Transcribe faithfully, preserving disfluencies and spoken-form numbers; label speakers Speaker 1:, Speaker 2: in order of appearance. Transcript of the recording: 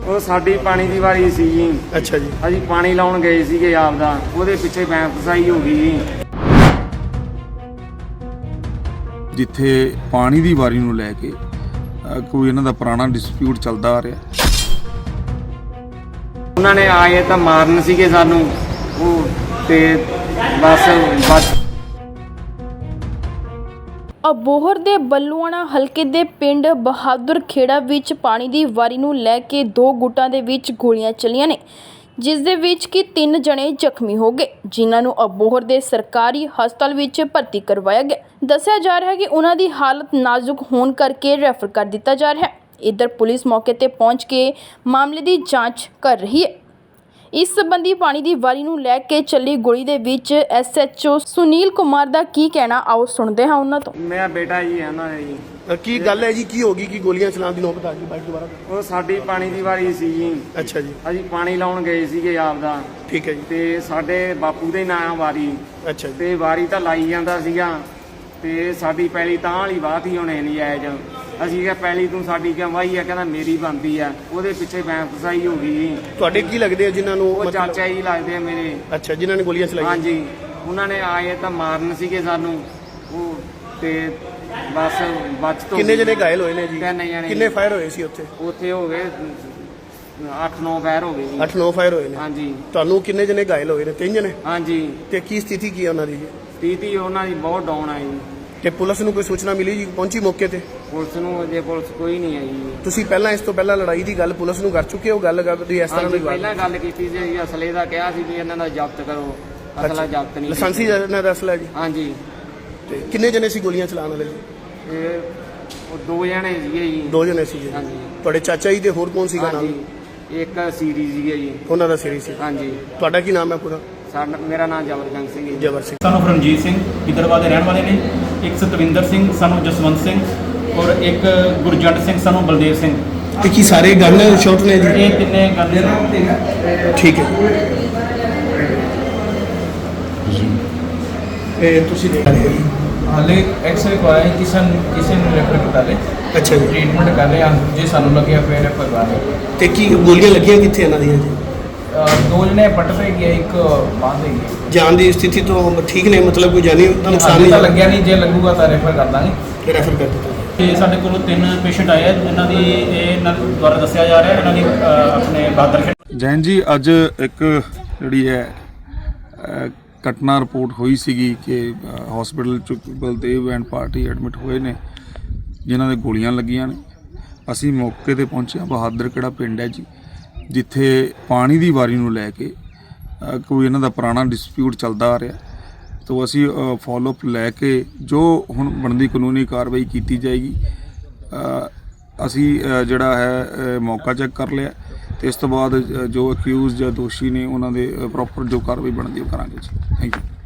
Speaker 1: ਉਹ ਸਾਡੀ ਪਾਣੀ ਦੀ ਵਾਰੀ ਸੀ ਜੀ।
Speaker 2: ਅੱਛਾ ਜੀ।
Speaker 1: ਅਸੀਂ ਪਾਣੀ ਲਾਉਣ ਗਏ ਸੀਗੇ ਆਪਦਾ, ਉਹਦੇ ਪਿੱਛੇ ਬੈਂਫਸਾਈ ਹੋ ਗਈ ਜੀ।
Speaker 3: ਜਿੱਥੇ ਪਾਣੀ ਦੀ ਵਾਰੀ ਨੂੰ ਲੈ ਕੇ ਕੋਈ ਇਹਨਾਂ ਦਾ ਪੁਰਾਣਾ ਡਿਸਪਿਊਟ ਚੱਲਦਾ ਆ ਰਿਹਾ।
Speaker 1: ਉਹਨਾਂ ਨੇ ਆਏ ਤਾਂ ਮਾਰਨ ਸੀਗੇ ਸਾਨੂੰ, ਉਹ ਤੇ ਬਸ ਬਸ
Speaker 4: ਅਬੋਹਰ ਦੇ ਬੱਲੂਆਣਾ ਹਲਕੇ ਦੇ ਪਿੰਡ ਬਹਾਦਰ ਖੇੜਾ ਵਿੱਚ ਪਾਣੀ ਦੀ ਵਾਰੀ ਨੂੰ ਲੈ ਕੇ ਦੋ ਗੁੱਟਾਂ ਦੇ ਵਿੱਚ ਗੋਲੀਆਂ ਚੱਲੀਆਂ ਨੇ, ਜਿਸ ਦੇ ਵਿੱਚ ਕਿ ਤਿੰਨ ਜਣੇ ਜ਼ਖਮੀ ਹੋ ਗਏ, ਜਿਨ੍ਹਾਂ ਨੂੰ ਅਬੋਹਰ ਦੇ ਸਰਕਾਰੀ ਹਸਪਤਾਲ ਵਿੱਚ ਭਰਤੀ ਕਰਵਾਇਆ ਗਿਆ। ਦੱਸਿਆ ਜਾ ਰਿਹਾ ਹੈ ਕਿ ਉਹਨਾਂ ਦੀ ਹਾਲਤ ਨਾਜ਼ੁਕ ਹੋਣ ਕਰਕੇ ਰੈਫਰ ਕਰ ਦਿੱਤਾ ਜਾ ਰਿਹਾ ਹੈ। ਇੱਧਰ ਪੁਲਿਸ ਮੌਕੇ ਤੇ ਪਹੁੰਚ ਕੇ ਮਾਮਲੇ ਦੀ ਜਾਂਚ ਕਰ ਰਹੀ ਹੈ। ਇਸ ਸੰਬੰਧੀ ਪਾਣੀ ਦੀ ਵਾਰੀ ਨੂੰ ਲੈ ਕੇ ਚੱਲੀ ਗੋਲੀ ਦੇ ਵਿੱਚ S H O Sunil Kumar ਦਾ ਕੀ ਕਹਿਣਾ, ਆਓ ਸੁਣਦੇ ਹਾਂ ਉਹਨਾਂ ਤੋਂ।
Speaker 1: ਮੇਰਾ ਬੇਟਾ ਜੀ ਹੈ ਉਹਨਾਂ ਦਾ ਜੀ।
Speaker 2: ਕੀ ਗੱਲ ਹੈ ਜੀ, ਕੀ ਹੋ ਗਈ ਕਿ ਗੋਲੀਆਂ ਚਲਾਉਣ ਦੀ ਨੌਬਤ ਆ ਗਈ ਬਾਈਕ ਦੁਬਾਰਾ?
Speaker 1: ਉਹ ਸਾਡੀ ਪਾਣੀ ਦੀ ਵਾਰੀ ਸੀ ਜੀ।
Speaker 2: ਅੱਛਾ ਜੀ।
Speaker 1: ਅਸੀਂ ਪਾਣੀ ਲਾਉਣ ਗਏ ਸੀਗੇ ਆਪਦਾ।
Speaker 2: ਠੀਕ ਹੈ ਜੀ।
Speaker 1: ਤੇ ਸਾਡੇ ਬਾਪੂ ਦੇ ਨਾਂ ਵਾਰੀ।
Speaker 2: ਅੱਛਾ ਜੀ।
Speaker 1: ਤੇ ਵਾਰੀ ਤਾਂ ਲਾਈ ਜਾਂਦਾ ਸੀਗਾ, ਤੇ ਸਾਡੀ ਪੈਲੀ ਤਾਂ ਵਾਲੀ ਬਾਤ ਹੀ ਹੋਣੇ ਨਹੀਂ ਆਏ। ਅਸੀਂ ਕਿਹਾ ਪੈਲੀ ਤੂੰ ਸਾਡੀ ਕਿਉਂ ਵਾਹੀ ਆ? ਕਹਿੰਦਾ ਮੇਰੀ ਬਣਦੀ ਆ। ਉਹਦੇ ਪਿੱਛੇ ਬੈਂਫਸਾਈ ਹੋ ਗਈ।
Speaker 2: ਤੁਹਾਡੇ ਕੀ ਲੱਗਦੇ ਆ ਜਿਨ੍ਹਾਂ ਨੂੰ?
Speaker 1: ਉਹ ਚਾਚਾ ਜੀ ਲੱਗਦੇ ਆ ਮੇਰੇ।
Speaker 2: ਅੱਛਾ, ਜਿਨ੍ਹਾਂ ਨੇ ਗੋਲੀਆਂ ਚਲਾਈਆਂ?
Speaker 1: ਹਾਂਜੀ, ਉਹਨਾਂ ਨੇ ਆਏ ਤਾਂ ਮਾਰਨ ਸੀਗੇ ਸਾਨੂੰ, ਉਹ ਤੇ ਬਸ ਬਚ ਤੋਂ।
Speaker 2: ਕਿੰਨੇ ਜਣੇ ਘਾਇਲ ਹੋਏ ਨੇ ਜੀ?
Speaker 1: ਤਿੰਨ ਜਣੇ।
Speaker 2: ਕਿੰਨੇ ਫਾਇਰ ਹੋਏ ਸੀ ਉੱਥੇ?
Speaker 1: ਉੱਥੇ ਹੋ ਗਏ ਅੱਠ ਨੌ ਫਾਇਰ ਹੋ ਗਏ ਜੀ।
Speaker 2: ਅੱਠ ਨੌ ਫਾਇਰ ਹੋਏ ਨੇ।
Speaker 1: ਹਾਂਜੀ।
Speaker 2: ਤੁਹਾਨੂੰ ਕਿੰਨੇ ਜਣੇ ਘਾਇਲ ਹੋਏ ਨੇ? ਤਿੰਨ ਜਣੇ।
Speaker 1: ਹਾਂਜੀ।
Speaker 2: ਤੇ ਕੀ ਸਥਿਤੀ ਕੀ ਹੈ ਉਹਨਾਂ ਦੀ?
Speaker 1: ਸਥਿਤੀ ਉਹਨਾਂ ਦੀ ਬਹੁਤ ਡਾਊਨ ਆਈ।
Speaker 2: ਤੇ ਪੁਲਿਸ ਨੂੰ ਕੋਈ ਸੂਚਨਾ ਮਿਲੀ ਜੀ? ਪਹੁੰਚੀ ਮੌਕੇ ਤੇ?
Speaker 1: ਪੁਲਿਸ ਨੂੰ ਅਜੇ ਪੁਲਿਸ ਕੋਈ ਨਹੀਂ ਆਈ ਜੀ।
Speaker 2: ਤੁਸੀਂ ਪਹਿਲਾਂ ਇਸ ਤੋਂ ਪਹਿਲਾਂ ਲੜਾਈ ਦੀ ਗੱਲ ਪੁਲਿਸ ਨੂੰ ਕਰ ਚੁੱਕੇ ਹੋ? ਗੱਲ ਕਰਦੀ ਇਸ ਤਰ੍ਹਾਂ ਦੀ
Speaker 1: ਪਹਿਲਾਂ ਗੱਲ ਕੀਤੀ ਸੀ, ਅਸਲੇ ਦਾ ਕਿਹਾ ਸੀ ਵੀ ਇਹਨਾਂ ਦਾ ਜ਼ਬਤ ਕਰੋ। ਅਸਲਾ ਜ਼ਬਤ ਨਹੀਂ।
Speaker 2: ਲਾਇਸੈਂਸੀ ਇਹਨਾਂ ਦਾ ਅਸਲਾ ਜੀ?
Speaker 1: ਹਾਂਜੀ।
Speaker 2: ਤੇ ਕਿੰਨੇ ਜਣੇ ਸੀ ਗੋਲੀਆਂ ਚਲਾਉਣ ਵਾਲੇ ਜੀ?
Speaker 1: ਇਹ ਉਹ ਦੋ ਜਣੇ ਸੀਗੇ ਜੀ।
Speaker 2: ਦੋ ਜਣੇ ਸੀਗੇ।
Speaker 1: ਹਾਂਜੀ।
Speaker 2: ਤੁਹਾਡੇ ਚਾਚਾ ਜੀ ਤੇ ਹੋਰ ਕੌਣ ਸੀਗਾ ਨਾਲ?
Speaker 1: ਇੱਕ ਸੀਰੀ ਸੀਗੇ ਜੀ।
Speaker 2: ਉਹਨਾਂ ਦਾ ਸੀਰੀ ਸੀ।
Speaker 1: ਹਾਂਜੀ।
Speaker 2: ਤੁਹਾਡਾ ਕੀ ਨਾਮ ਹੈ ਪੂਰਾ?
Speaker 1: ਸਾਡਾ ਮੇਰਾ ਨਾਮ ਜਬਰਜੰਗ ਸਿੰਘ ਜੀ।
Speaker 2: ਜਬਰ ਸਿੰਘ।
Speaker 5: ਸਾਨੂੰ ਰਣਜੀਤ ਸਿੰਘ ਗਿੱਦੜਬਾਹ ਦੇ ਰਹਿਣ ਵਾਲੇ ਨੇ। ਇੱਕ ਸਤਵਿੰਦਰ ਸਿੰਘ ਸਾਨੂੰ ਜਸਵੰਤ ਸਿੰਘ, ਔਰ ਇੱਕ ਗੁਰਜੰਟ ਸਿੰਘ ਸਾਨੂੰ ਬਲਦੇਵ ਸਿੰਘ।
Speaker 2: ਤੇ ਕੀ ਸਾਰੇ ਗਨ ਸ਼ਾਟ ਨੇ ਜੀ?
Speaker 5: ਇਹ ਤਿੰਨੇ ਗੱਲ
Speaker 2: ਠੀਕ ਹੈ। ਇਹ ਤੁਸੀਂ ਦੇਖ ਰਹੇ ਹੋ?
Speaker 6: ਹਾਲੇ ਐਕਸਰੇ ਕਰਵਾਇਆ, ਕਿਸੇ ਕਿਸੇ ਨੂੰ ਰੈਫਰ ਕੀਤਾ ਲੈ।
Speaker 2: ਅੱਛਾ ਜੀ।
Speaker 6: ਟ੍ਰੀਟਮੈਂਟ ਕਰ ਰਹੇ ਹਾਂ, ਜੇ ਸਾਨੂੰ ਲੱਗਿਆ ਫਿਰ ਰੈਫਰ ਕਰਵਾ ਰਹੇ।
Speaker 2: ਤੇ ਕੀ ਗੋਲੀਆਂ ਲੱਗੀਆਂ ਕਿੱਥੇ ਇਹਨਾਂ ਦੀਆਂ ਜੀ?
Speaker 6: ਦੋ ਜਣੇ ਪੱਟ ਪੈ ਗਿਆ, ਇੱਕ ਬਾਂਹ ਦੇ ਗਿਆ।
Speaker 2: ਜਾਨ ਦੀ ਸਥਿਤੀ ਤੋਂ ਠੀਕ ਨੇ, ਮਤਲਬ ਕੋਈ ਜਾਨੀ ਨੁਕਸਾਨ
Speaker 6: ਹਾਲੇ
Speaker 2: ਨਹੀਂ
Speaker 6: ਤਾਂ ਲੱਗਿਆ ਨਹੀਂ, ਜੇ ਲੱਗੂਗਾ ਤਾਂ ਰੈਫਰ ਕਰ ਦਾਂਗੇ।
Speaker 2: ਰੈਫਰ ਕਰ ਦਿੱਤਾ।
Speaker 5: ਤੇ ਸਾਡੇ ਕੋਲ ਤਿੰਨ ਪੇਸ਼ੈਂਟ ਆਏ ਆ, ਇਹਨਾਂ ਦੀ ਇਹ ਇਹਨਾਂ ਦੁਆਰਾ ਦੱਸਿਆ ਜਾ ਰਿਹਾ ਇਹਨਾਂ ਦੀ ਅ, ਆਪਣੇ ਬਹਾਦਰ ਖੇੜਾ।
Speaker 3: ਜੈਨ ਜੀ, ਅੱਜ ਇੱਕ ਜਿਹੜੀ ਹੈ ਅ, ਘਟਨਾ ਰਿਪੋਰਟ ਹੋਈ ਸੀਗੀ ਕਿ ਹਸਪੀਟਲ 'ਚ ਬਲਦੇਵ ਐਂਡ ਪਾਰਟੀ ਐਡਮਿਟ ਹੋਏ ਨੇ, ਜਿਨ੍ਹਾਂ ਦੇ ਗੋਲੀਆਂ ਲੱਗੀਆਂ ਨੇ। ਅਸੀਂ ਮੌਕੇ ਤੇ ਪਹੁੰਚੇ ਹਾਂ। ਬਹਾਦਰ ਖੇੜਾ ਪਿੰਡ ਹੈ ਜੀ, ਜਿੱਥੇ ਪਾਣੀ ਦੀ ਵਾਰੀ ਨੂੰ ਲੈ ਕੇ ਅ, ਕੋਈ ਇਹਨਾਂ ਦਾ ਪੁਰਾਣਾ ਡਿਸਪਿਊਟ ਚੱਲਦਾ ਆ ਰਿਹਾ। ਤੋ ਅਸੀਂ ਫੋਲੋਅਪ ਲੈ ਕੇ ਜੋ ਹੁਣ ਬਣਦੀ ਕਾਨੂੰਨੀ ਕਾਰਵਾਈ ਕੀਤੀ ਜਾਏਗੀ। ਅ, ਅਸੀਂ ਅ, ਜਿਹੜਾ ਹੈ ਅ, ਮੌਕਾ ਚੈੱਕ ਕਰ ਲਿਆ, ਤੇ ਇਸ ਤੋਂ ਬਾਅਦ ਜੋ ਅਕਿਊਜ਼ ਜਾਂ ਦੋਸ਼ੀ ਨੇ ਉਹਨਾਂ ਦੇ ਪ੍ਰੋਪਰ ਜੋ ਕਾਰਵਾਈ ਬਣਦੀ ਉਹ ਕਰਾਂਗੇ ਜੀ। Thank you.